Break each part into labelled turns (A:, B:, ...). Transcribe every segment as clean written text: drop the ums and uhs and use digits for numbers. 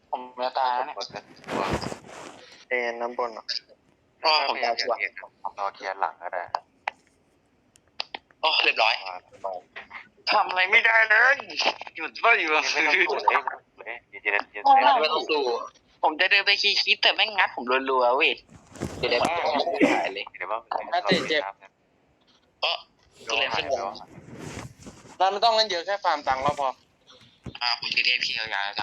A: ผมจะตายแล้วเนี่ย
B: เอ็นน้ำบนอ่ะ
A: เพราะผมตายชัวร์
C: รอเคลียร์หลังก็ได้
A: โอ้เรียบร้อยทำอะไรไม่ได้เลยหยุดว่าอยู่
C: ไม่ต้องสู้เลยเย็นๆ
A: ไม่ต้องสู้ผมจะเดินไปคิดแต่แม่งงัดผมรัวๆเว้ยเดี๋ยวได้บ้างหายเลย
C: เดี๋ยวว่า
A: ก็ตัวเล่นขึ้นวง
D: เราไม่ต้องเล่นเยอะแค่ฟาร์มตังค์เราพอ
A: ผมจะเรียกพี่ยาวๆแล้วกัน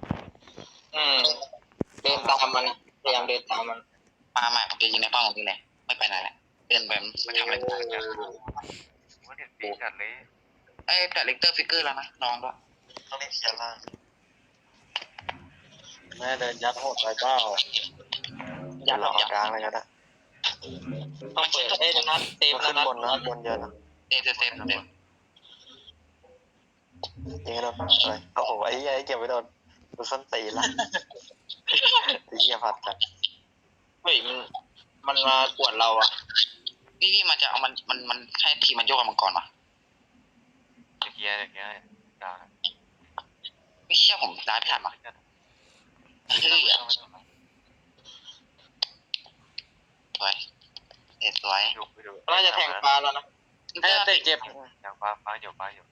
E: เดินตามมันพยายามเดินตามมัน
A: มาใหม่ผมจะยิงในป้อมของพี่เลยไม่ไปไหนแหละเดินไปไม่ทำอะไรกัน
C: ว่าเด็ดปีจัดเลย
A: ไอ้แต่เลกเตอร์ฟิกเกอร์แล้วนะน้องก็
B: ต้องเล่นเคลียร์ล่าง
D: แม่เดินยัดโหดไปเปล่า
B: อย่าหลอกกลางเลยก็ได้
E: ต้องเปิดนัดเซฟ
B: ขึ้น
E: นัด
B: บนนะบนเยอะนะ
A: เซฟเดี๋ยว
B: ยิงให้โดนอะไรโอ้โหไอ้ยัยเก็บไว้โดนดูส้นตีนละไอ้เหี้ยพัดกัน
E: เฮ้ยมันมาปวดเราอ่ะ
A: พี่มันจะเอามันให้ทีมมันโยกกันมังกรมา
C: เคลียร์อย่างเงี้ยด่า
A: ไม่เชื่อผมได้ไม่ทันมาสวยสวย
C: อยู่ไปดู
E: น่าจะแทงปลาแล้วนะ
D: ให้เตะเจ็บ
C: อย่างฟ้าอยู่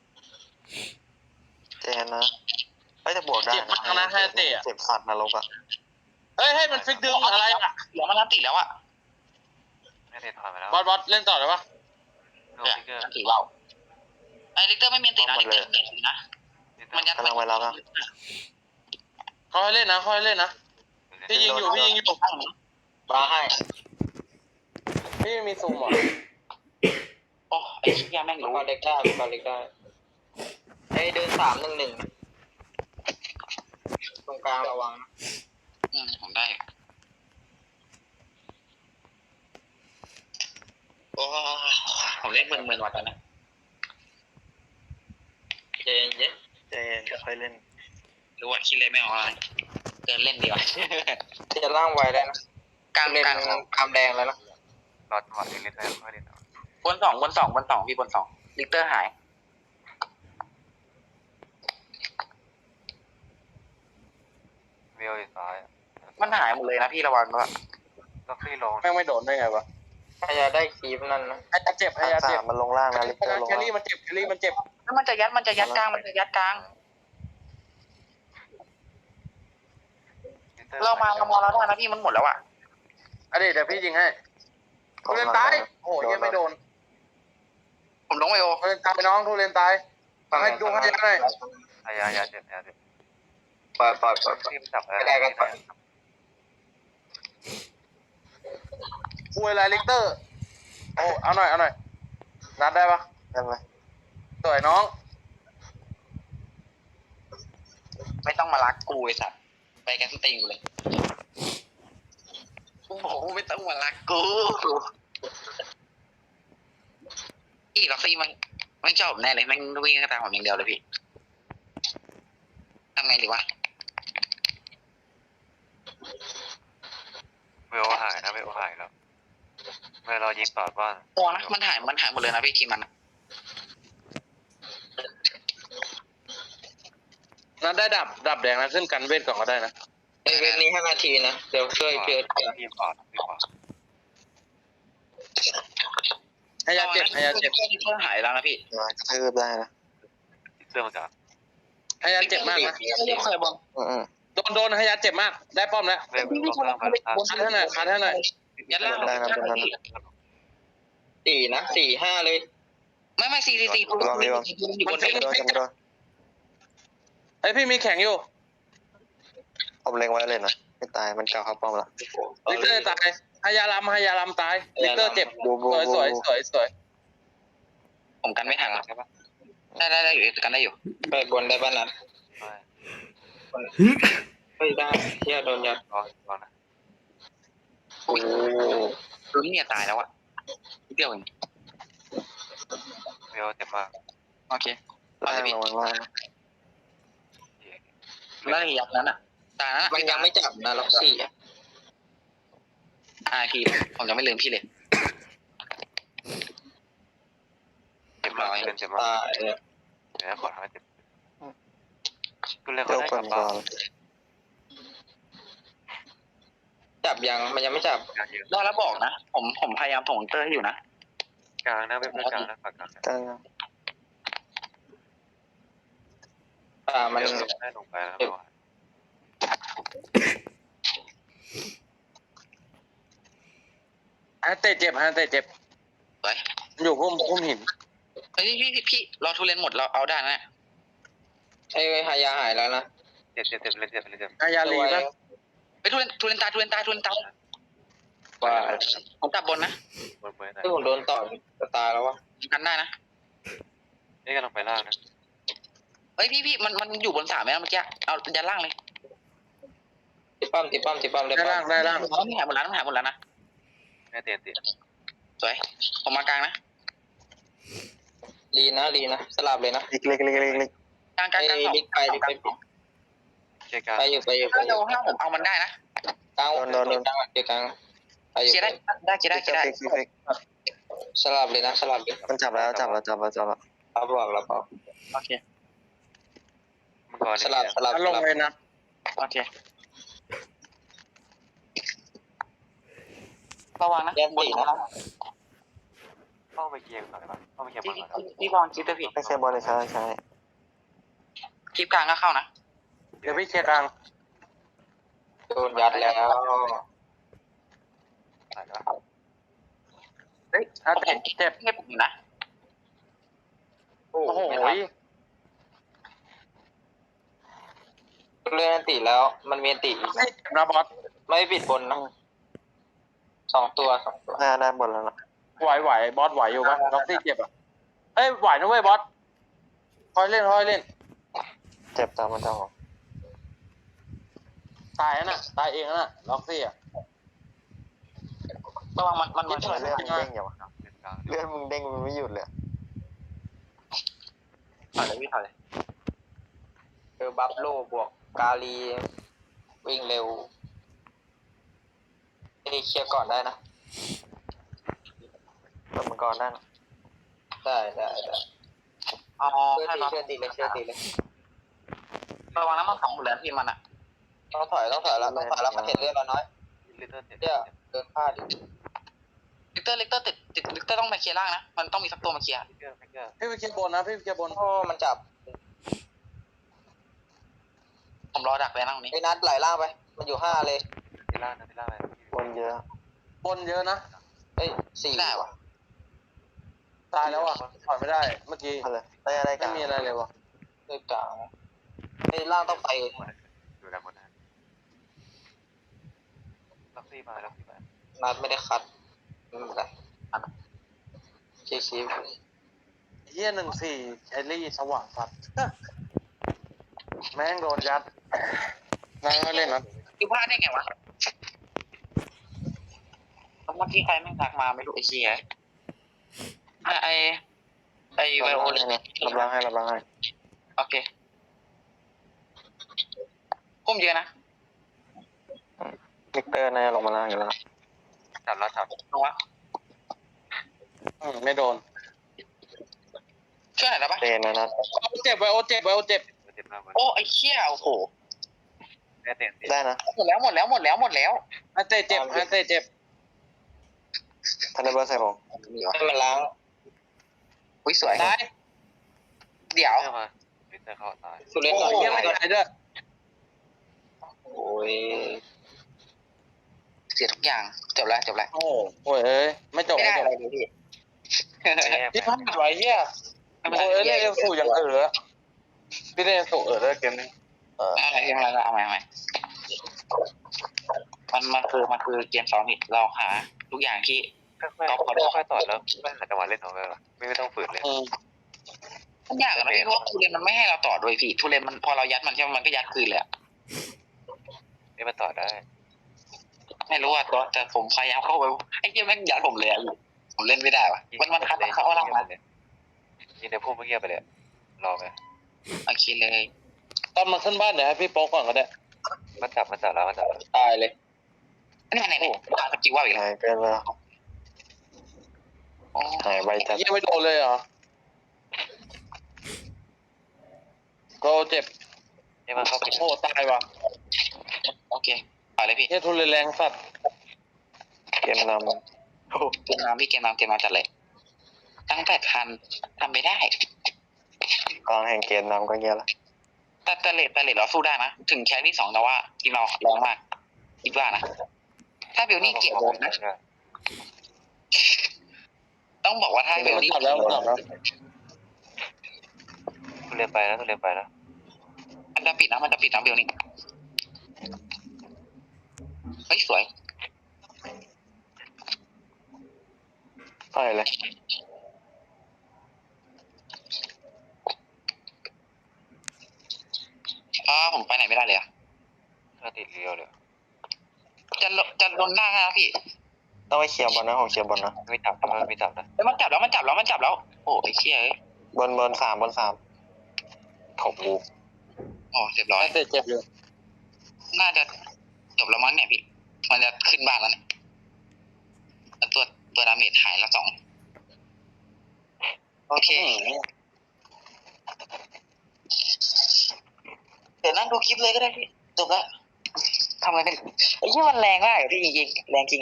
B: เจนนะเฮ้ยแต่บวกได้
D: เจ็บมากนะให้เตะ
B: เจ็บสัตว์นรกอ่ะ
D: เฮ้ยให้มันฟิกดึงอะไรอ่ะ
A: เหลือมันนับติแล้วอ่ะ
C: ไม่ได้ถอยมาแล้ว
D: บอสเล่นต่อเลยปะ
C: โลฟิกเกอร์
A: ถือว่าไอ้ลิกเตอร์ไม่มีตินะลิกเตอร์ไม่มีนะมันยัด
B: กำลังไว้รับนะ
D: เขาให้เล่นนะเขาให้เล่นนะพี่ยิงอยู่
E: ปลาให้
D: พี่มีซูมเหรอ
A: โอ้ไอ้เชี่ยแม่ง
E: มัง
A: รู้
E: กรเล็กได้มังกรเล็กได้ไอ้เดิน3-1-1ตรงกลางระวัง
A: ผมได้โอ้ผมเล่นมึนๆว่ะตอนนั้น
E: เย็น
B: เจนค่อยเล่น
A: รู้ว่าคิดเลยไม่ออกอะไรเดินเล่นดีกว่า
E: จะล่างไวได้นะ
A: กลาง
E: เล่น
A: กลาง
E: กามแดงแล้วนะ
C: รอจังหวะเล่นได้ค่อยเล่น
A: บนสองพี่บนสองลิกเตอร์หาย
C: เวลอยู่ซ้าย
A: มันหายหมดเลยนะพี่ระวังด้วย
C: ก็ฟรีลง
D: แม่งไม่โดนได้ไงวะ
E: พยายามได้คีบนั่นนะ
D: ให้เจ็บให้ยา
B: สา
D: เจ็บ
B: มมันลงล่างนะลิเตอร์ลง
D: แค
B: ล่าง
D: รี่มันเจ็บแครี่มันเจ็บ
A: แล้วมันจะยัดกลางเรามาแล้วได้นะพี่มันหมดแล้วอ่ะ
D: เดี๋ยวพี่ยิงให้ทุเรียนตายโอ้ยยังไม่โดน
A: ผมลงไปโอ
D: ทุเรียนตายน้องทุเรียนตายให้ดูให้ยัดหน่อย
C: ยาเจ็บ
E: ปล่อย
C: ทีมจับ
D: คุยอะไรลิกเตอร์โอ้เอาหน่อยนัดได้ปะ
B: ได้ไหม
D: สวยน้อง
A: ไม่ต้องมารักกูไอ้สัตว์ไปกันสติงเลยกูบอกไม่ต้องมารักกูอีล็อกซี่มันชอบแน่เลยมันวิ่งกระตามผมอย่างเดียวเลยพี่ทำไงดีวะ
C: เวลหายนะเวลหายแล้วเวลายิงต่อบ้าน
A: โอ้นะมันหายหมดเลยนะพี่ทีมมัน
D: นัดได้ดับแดงนะขึ้นกันเวทก่อนก็ได้นะ
E: เวทนี้5 นาทีนะเดี๋ยวช่วยเพียร์
C: ทีมก่อน
D: ให้ยาเจ็บ
A: เพื่อหายแล้วนะพี่
B: มากระทืบได้นะ
C: เรื่องมันจะ
D: ให้ยาเจ็บมากนะ
A: ไม่เคยบอล
D: โดนให้ยาเจ็บมากได้ป้อมแล้ว
C: เวลต้องไป
D: คัดให้หน่อย
A: ยัดล่าง
E: 4 นะ 4-5 เลย
A: ไม่4อยู่บน
D: ไอพี่มีแข่งอยู่
B: ผมเล็งไว้เลยนะไม่ตายมันเก่าเข้าป้อมละ
D: ลิกเตอร์ตายให้ยาลำตายลิกเตอร์เจ็บสวย
A: ผมกันไม่ทันหรอใช่ปะได้อยู่กันได้อยู่
E: ไปบนได้บ้านนัดเฮ้ยได้เที่ยโดนยัด
C: รอนะ
A: โอ้ลุ้นเนี่ยตายแล้วอะเดียวเอง
C: เวลเจ็บมาก
A: โอเคเอา
B: ล่า
A: เลย
B: ง
A: พี่
B: ระวังล่าง
A: แล้วยับนั้นอะตายนั้น
E: มันยังไม่จับนะล็อกซี่
A: พี่ผมจะไม่ลืมพี่เลย
C: เจ็บมากเจ็บมาก
E: ตาย
C: เดี๋ยวขอทำให้เจ็บก็เลย
B: เจ้า
C: เขาได้
B: ค
C: กลั
B: น
C: บ
B: ก่
C: บ้า
B: อน น
E: จับยังมันยังไม่จับ
C: กลางเยอะ
A: ได้แล้วบอกนะผมพยายามส่งเตอร์ให้อยู่นะ
C: กลางนะเว็บเพื่อนกลางนะฝากกลางนะ
B: กลาง
E: มัน
C: เดี๋ยวได้ลงไปแล้วไม่ไหว
D: ฮะเตะเจ็บฮะเตะเจ็บ
A: ไป
D: อยู่พุ่มหิน
A: เฮ้ยพี่เราทุเรียนหมดเราเอาได้นะ
E: ไอ้หายาหายแล้วนะ
C: เจ็บเลยเจ็บ
D: อายาลีป่ะ
A: ไปทุเรียนตาย
E: ว่า
A: ผมจับบนนะ
C: บนเบอร์ไหน
E: ที่ผมโดนต่อจะตายแล้ววะ
A: กันได้นะ
C: นี่กำลังไปล่างนะ
A: เฮ้ยพี่มันอยู่บน3ไหมเมื่อกี้เอายันล่างเลย
E: ติดปั้มได้
D: ได้
E: ปั้
D: ล่าง
E: ม
D: ได้ล่าง
A: มันหายหมดแล้วนะ
C: แม่เตียนติด
A: สวยผมมากลางนะ
E: ลีนะสลับเลยนะ
B: เล็ก
A: กลาง
E: ไอ้
A: 2
E: ลิกไป
C: เชียร์กลาง
E: ไปอยู่
A: ถ้าเราห้าผมเอามันได้นะ
E: กลางเดี๋ยวกลางไปอยู่
A: เคลียร์ได้
E: สลับเลยนะสลับเลย
B: มันจับแล้ว
E: รับบอกแล้วเปล่า
A: โอเค
C: มังกร
E: สลับ
D: ลงเลยนะ
A: โอเคระวังนะ
E: แยกตีนะ
C: เข้าไปเกียร์ก่อนเลยป่ะเข้าไปเกียร์บอลก่อน
A: พี่บอลคิดตัวผิด
B: ไม่ใช่บอลเลยใช่ใช่
A: คลิปกลางก็เข้านะ
D: เดี๋ยวพี่เคลียร์กลาง
E: โดนยัดแล้ว
C: ถ่ายแล้ว
A: เฮ้ย
D: ฮะเตะเจ็บ
A: ให้ผมอยู่นะ
D: โอ้โห
E: เลื่อนตีแล้วมันมีตี
D: ไม่เจ็บนะบอส
E: ไม่ปิดบนนะ2 ตัว
B: ได้หมดแล้วนะ
D: ไหวบอสไหวอยู่ป่ะล็อกซี่เจ็บอ่ะเอ้ยไหวนะเว้ยบอสค่อยเล่น
B: เจ็บตามมันจะออก
D: ตายน่ะตายเองน่ะล็อกซี่อ่ะ
A: ระวังมัน
B: เลือดมึงเด้งอย่างวะ
C: เล่นกลาง
B: เลือดมึงเด้งมันไม่หยุดเลย
A: ถอยเลยพี่ถอยเลย
E: บัฟโลบวกกาลีวิ่งเร็วเคลียร์ก่อนได้นะ
B: เปิดมังกรได้นะ
E: ได้
A: เอา
E: เชื่อ
A: ให้เรา
E: ตีเลย
A: ระวังนะมัน2หมดแล้วพี่มันอ่ะ
E: ต้องถอยแล้วมันเห็นเลือดเราน้อย
C: ลิตเติ้ลเจ็บ
E: เดี๋ยวเดินพลาด
A: ลิกเตอร์ติดลิกเตอร์ต้องมาเคลียร์ล่างนะมันต้องมีสักตัวมาเคลียร์
C: ฟิกเกอร์
D: พี่ไปเคลียร์บนนะพี่ไปเคลียร์บน
E: โอ้มันจับ
A: ผมรอดักเลยนะตรงนี้
E: ไอ้นัดไหลล่างไปมันอยู่5เลย
C: ที่ล่างนะที่ล่างเลย
B: บนเยอะ
D: บนเยอะนะ
E: เอ้ย4
A: ได้วะ
D: ตายแล้วอ่ะถอยไม่ได้เมื่อกี้
B: อะไรได้กั
D: ไม่
B: น
D: มีอะไรเลยวะ
E: ด้วยกลางไอ้ล่างต้องไป
C: อยู่ด้านบนนะล็อกซี่มา
E: นัดไม่ได้คัดไม่เป็นไรชี้
D: เฮีย14แคลรี่สว่างสัตว์แม่งโดนยัดนายไม่เล่นนะ
A: คิวพลาดได้ไงวะเมื่อกี้ใครแม่งทักมาไม่รู้ไอ้เหี้ยไอไวโอเลน
B: รับล้างให้
A: โอเคก้มเยอะนะ
B: ลิกเตอร์น่าจะลงมาล่างอยู่แล้ว
C: จับ
A: ลงวะ
D: ไม่โดน
A: ช่วยหน่อยได้ปะ
B: เตนนะ
D: เจ็บไวโอเจ็บ
C: เจ็บมาก
A: โอ้ไอ้เหี้ยโอ้โห
C: แม่เตียนติด
B: ได้นะ
A: หมดแล้ว
D: ฮะเตะเจ็บ
B: ทันเดอร์เบอร์ใส่ผม
E: ให้มันล้าง
A: อุ้ยสวย
D: ตาย
A: เดี๋ยว
C: เข้ามาลิตเติ้ลเข้าตาย
E: สุเรน
D: โอ้
E: ก่อน
D: โหยังไม่ตายด้วย
E: โอ้ย
A: เสียทุกอย่างจบแล้ว
D: โอ้โหเอ้ยไม่จบ
A: ไม่ได้อะไร
D: จบ
A: เลยพี่
D: พี่พลาดไว้เฮียโอ้ยเล่นเอลสูอย่างพี่เล่นเอลสูด้วยเกมนี้
A: อะไรเอาใหม่มันคือเกม2ผิดเราหาทุกอย่างที่
C: ค่อยต่อแล้วไม่หาจังหวะเล่นของเราไม่ต้องฝืนเลย
A: ทุกอย่างอะนะพี่เพราะทุเรียนมันไม่ให้เราต่อด้วยพี่ทุเรียนมันพอเรายัดมันใช่ไหมมันก็ยัดคืนเลยอะ
C: นี่มันต่อได้
A: ไม่รู้อะแต่ผมพยายามเข้าไปไอ้เหี้ยแม่งยัดผมเลยอะผมเล่นไม่ได้วะมันคัดมันเข้าล่างมา
C: ยิงในพุ่มเมื่อกี้ไปเลยรอไป
A: โอเคเลย
D: ตอนมันขึ้นบ้านเดี๋ยวให้พี่โป๊กก่อนก็ได้
C: มันจับแล้ว
E: ตายเลย
A: นี่ไหนสกิลว่าอีกแล้ว
B: หายเกินแล้วหายไวจัด
D: ยังไม่โดนเลยเหรอโกเจ็บ
C: นี่มันเข้าไป
D: โอ้ตายว่ะ
A: โอเคต่อเลยพี่
D: เฮียทุเรศแรงสัตว์
B: เกมนำโอ้
A: เกมน้ำพี่เกมน้ำจัดเลยตั้ง8,000ทำไม่ได้
B: กองแห่งเกมนำก็เงี้ยละ
A: แต่เลทเราสู้ได้นะถึงแค่ที่2แต่ว่าทีมเราแรงมากคิดว่านะถ้าเบลนี่เก็บโดนนะต้องบอกว่าถ้าเบลนี่
D: กลับแล้วกลับแล้ว
C: ทุเรียนไปแล้วทุเรียนไปแล้ว
A: มันจะปิดนะเบลนี่เฮ้ยสวย
B: ต่อยเลย
A: ผมไปไหนไม่ได้เลยอะ
C: ถ้าติดเรียวเลย
A: จะโดนหน้านะพี่
B: ต้องไปเคลียร์บอลนะของเคลียร์บอลนะ
C: ไม่จับนะไม่จับนะ
A: เฮ้ยมันจับแล้วโอ้ไอ้เชี่ยเอ้ย
B: บนสามถกลูก
A: โอ้เรียบร้อย
D: เตะเจ็บอยู่
A: น่าจะจบแล้วมั้งเนี่ยพี่มันจะขึ้นบ้านแล้วเนี่ยแล้วตัวดาเมจหายละ2โอเคเดี๋ยวนั่งดูคลิปเลยก็ได้พี่จบแล้วทำอะไรเป็นไอ้ที่มันแรงมากอะพี่จริงๆแรงจริง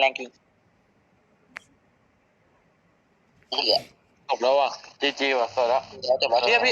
A: เหลือ
D: จบแล้วว่ะจีจีว่ะสวยแล้ว
A: จบแล้ว
D: เนี่ยพี่